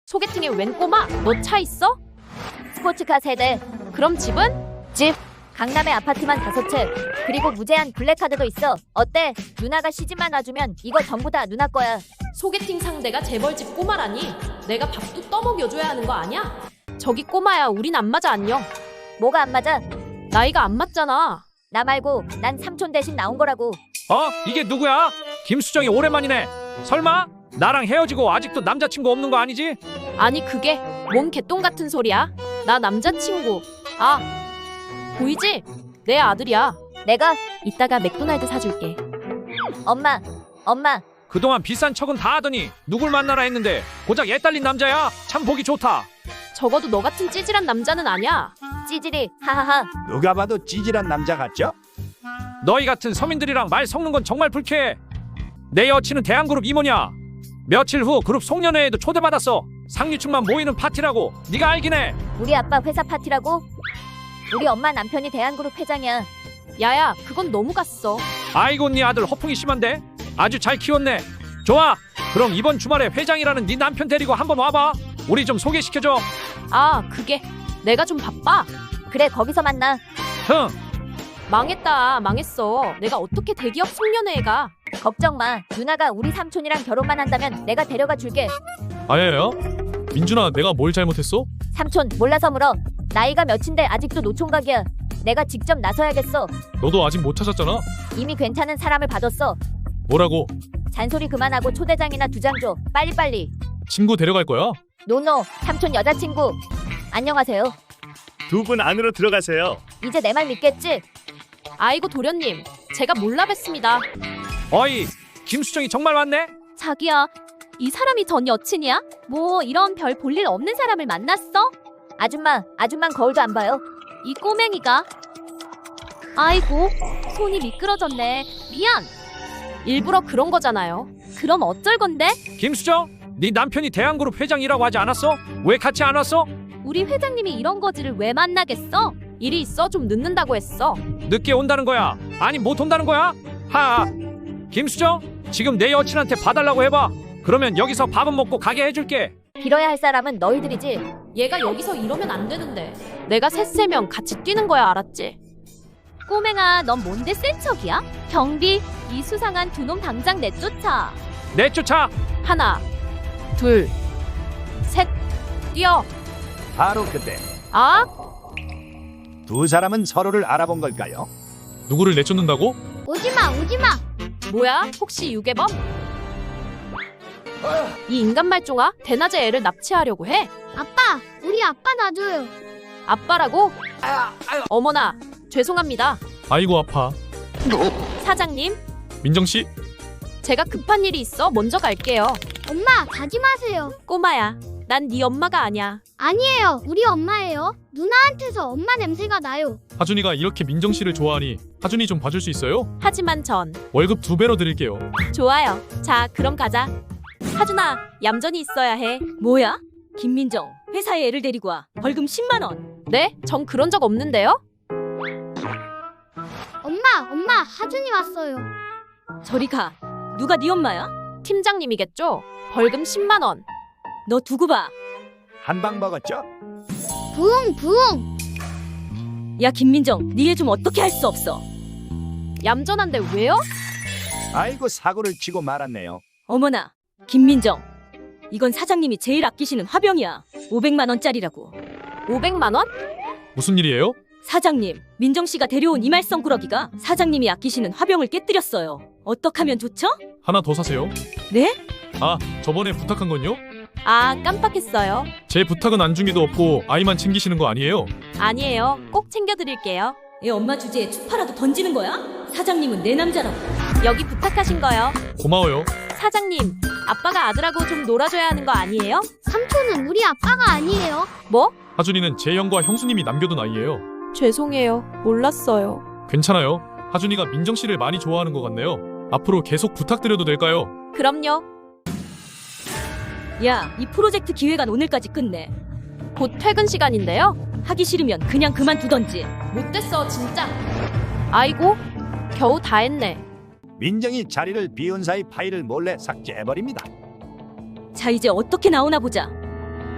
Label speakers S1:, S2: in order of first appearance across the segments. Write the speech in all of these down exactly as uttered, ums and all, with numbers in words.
S1: 소개팅에 웬 꼬마? 너 차 있어?
S2: 스포츠카 세대.
S1: 그럼 집은?
S2: 집. 강남에 아파트만 다섯 채. 그리고 무제한 블랙카드도 있어. 어때? 누나가 시집만 와주면 이거 전부 다 누나 거야.
S1: 소개팅 상대가 재벌집 꼬마라니 내가 밥도 떠먹여줘야 하는 거 아니야? 저기 꼬마야, 우린 안 맞아. 안녕.
S2: 뭐가 안 맞아?
S1: 나이가 안 맞잖아.
S2: 나 말고 난 삼촌 대신 나온 거라고.
S3: 어? 이게 누구야? 김수정이 오랜만이네. 설마? 나랑 헤어지고 아직도 남자친구 없는 거 아니지?
S1: 아니 그게 뭔 개똥 같은 소리야? 나 남자친구. 아, 보이지? 내 아들이야.
S2: 내가?
S1: 이따가 맥도날드 사줄게.
S2: 엄마. 엄마.
S3: 그동안 비싼 척은 다 하더니 누굴 만나라 했는데 고작 애 딸린 남자야? 참 보기 좋다.
S1: 적어도 너 같은 찌질한 남자는 아니야.
S2: 찌질이. 하하하.
S4: 누가 봐도 찌질한 남자 같죠?
S3: 너희 같은 서민들이랑 말 섞는 건 정말 불쾌해. 내 여친은 대한그룹 임원이야. 며칠 후 그룹 송년회에도 초대받았어. 상류층만 모이는 파티라고. 네가 알긴 해.
S2: 우리 아빠 회사 파티라고? 우리 엄마 남편이 대한그룹 회장이야.
S1: 야야, 그건 너무 갔어.
S3: 아이고, 네 아들 허풍이 심한데? 아주 잘 키웠네. 좋아, 그럼 이번 주말에 회장이라는 네 남편 데리고 한번 와봐. 우리 좀 소개시켜줘.
S1: 아, 그게 내가 좀 바빠.
S2: 그래, 거기서 만나.
S3: 흥.
S1: 망했다. 망했어. 내가 어떻게 대기업 송년회에 가.
S2: 걱정 마. 누나가 우리 삼촌이랑 결혼만 한다면 내가 데려가 줄게.
S5: 아야야? 민준아, 내가 뭘 잘못했어?
S2: 삼촌, 몰라서 물어. 나이가 몇인데 아직도 노총각이야. 내가 직접 나서야겠어.
S5: 너도 아직 못 찾았잖아.
S2: 이미 괜찮은 사람을 받았어.
S5: 뭐라고?
S2: 잔소리 그만하고 초대장이나 두 장 줘. 빨리빨리.
S5: 친구 데려갈 거야?
S2: 노노, 삼촌 여자친구. 안녕하세요.
S6: 두 분 안으로 들어가세요.
S2: 이제 내 말 믿겠지?
S1: 아이고 도련님, 제가 몰라 뵀습니다.
S3: 어이, 김수정이 정말 왔네?
S7: 자기야, 이 사람이 전 여친이야? 뭐 이런 별 볼일 없는 사람을 만났어?
S2: 아줌마, 아줌만 거울도 안 봐요.
S7: 이 꼬맹이가. 아이고, 손이 미끄러졌네. 미안.
S1: 일부러 그런 거잖아요.
S7: 그럼 어쩔 건데?
S3: 김수정, 네 남편이 대한그룹 회장이라고 하지 않았어? 왜 같이 안 왔어?
S7: 우리 회장님이 이런 거지를 왜 만나겠어?
S1: 일이 있어. 좀 늦는다고 했어.
S3: 늦게 온다는 거야? 아니 못 온다는 거야? 하. 김수정, 지금 내 여친한테 봐달라고 해봐. 그러면 여기서 밥은 먹고 가게 해줄게.
S2: 빌어야 할 사람은 너희들이지.
S1: 얘가 여기서 이러면 안 되는데. 내가 셋세명 같이 뛰는 거야, 알았지?
S7: 꼬맹아, 넌 뭔데 센 척이야? 경비, 이 수상한 두 놈 당장 내쫓아.
S3: 내쫓아.
S1: 하나, 둘, 셋, 뛰어.
S4: 바로 그때
S1: 아,
S4: 두 사람은 서로를 알아본 걸까요?
S5: 누구를 내쫓는다고?
S7: 오지마, 오지마.
S1: 뭐야? 혹시 유괴범? 이 인간 말종아, 대낮에 애를 납치하려고 해?
S7: 아빠, 우리 아빠 놔줘요.
S1: 아빠라고? 어머나, 죄송합니다.
S5: 아이고 아파.
S1: 사장님,
S5: 민정씨?
S1: 제가 급한 일이 있어 먼저 갈게요.
S7: 엄마, 가지 마세요.
S1: 꼬마야, 난 네 엄마가 아니야.
S7: 아니에요, 우리 엄마예요. 누나한테서 엄마 냄새가 나요.
S5: 하준이가 이렇게 민정씨를 좋아하니 하준이 좀 봐줄 수 있어요?
S1: 하지만 전
S5: 월급 두 배로 드릴게요.
S1: 좋아요. 자, 그럼 가자. 하준아, 얌전히 있어야 해.
S8: 뭐야? 김민정, 회사에 애를 데리고 와. 벌금 십만 원.
S1: 네? 전 그런 적 없는데요?
S7: 엄마, 엄마, 하준이 왔어요.
S8: 저리 가. 누가 네 엄마야?
S1: 팀장님이겠죠? 벌금 십만 원.
S8: 너 두고 봐.
S4: 한 방 먹었죠?
S7: 부웅, 부웅.
S8: 야 김민정, 네 애 좀 어떻게 할 수 없어.
S1: 얌전한데 왜요?
S4: 아이고, 사고를 치고 말았네요.
S8: 어머나, 김민정. 이건 사장님이 제일 아끼시는 화병이야. 오백만 원짜리라고.
S1: 오백만 원?
S5: 무슨 일이에요?
S8: 사장님, 민정씨가 데려온 이말성 꾸러기가 사장님이 아끼시는 화병을 깨뜨렸어요. 어떡하면 좋죠?
S5: 하나 더 사세요.
S8: 네?
S5: 아, 저번에 부탁한 건요?
S1: 아, 깜빡했어요.
S5: 제 부탁은 안중에도 없고 아이만 챙기시는 거 아니에요?
S1: 아니에요. 꼭 챙겨드릴게요.
S8: 애 엄마 주제에 추파라도 던지는 거야? 사장님은 내 남자라고.
S1: 여기 부탁하신 거요.
S5: 고마워요.
S1: 사장님, 아빠가 아들하고 좀 놀아줘야 하는 거 아니에요?
S7: 삼촌은 우리 아빠가 아니에요.
S1: 뭐?
S5: 하준이는 제 형과 형수님이 남겨둔 아이예요.
S1: 죄송해요. 몰랐어요.
S5: 괜찮아요. 하준이가 민정씨를 많이 좋아하는 것 같네요. 앞으로 계속 부탁드려도 될까요?
S1: 그럼요.
S8: 야, 이 프로젝트 기획안 오늘까지 끝내.
S1: 곧 퇴근 시간인데요.
S8: 하기 싫으면 그냥 그만두던지.
S1: 못됐어, 진짜. 아이고, 겨우 다 했네.
S4: 민정이 자리를 비운 사이 파일을 몰래 삭제해버립니다.
S8: 자, 이제 어떻게 나오나 보자.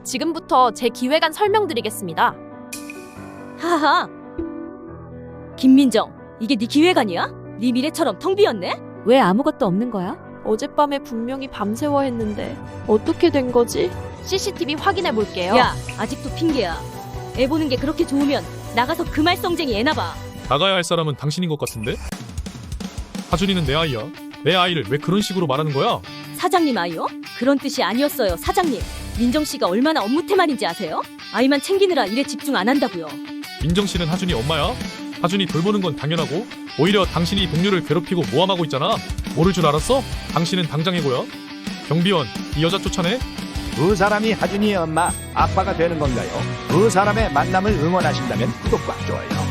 S1: 지금부터 제 기획안 설명드리겠습니다.
S8: 하하. 김민정, 이게 네 기획안이야? 네 미래처럼 텅 비었네?
S2: 왜 아무것도 없는 거야?
S1: 어젯밤에 분명히 밤새워 했는데 어떻게 된 거지? 씨씨티비 확인해 볼게요.
S8: 야, 아직도 핑계야. 애 보는 게 그렇게 좋으면 나가서 그 말썽쟁이 애나 봐.
S5: 나가야 할 사람은 당신인 것 같은데? 하준이는 내 아이야. 내 아이를 왜 그런 식으로 말하는 거야?
S8: 사장님 아이요? 그런 뜻이 아니었어요, 사장님. 민정 씨가 얼마나 업무태만인지 아세요? 아이만 챙기느라 일에 집중 안 한다고요.
S5: 민정 씨는 하준이 엄마야. 하준이 돌보는 건 당연하고 오히려 당신이 동료를 괴롭히고 모함하고 있잖아. 모를 줄 알았어? 당신은 당장 해고야. 경비원, 이 여자 쫓아내.
S4: 두 사람이 하준이의 엄마, 아빠가 되는 건가요? 두 사람의 만남을 응원하신다면 구독과 좋아요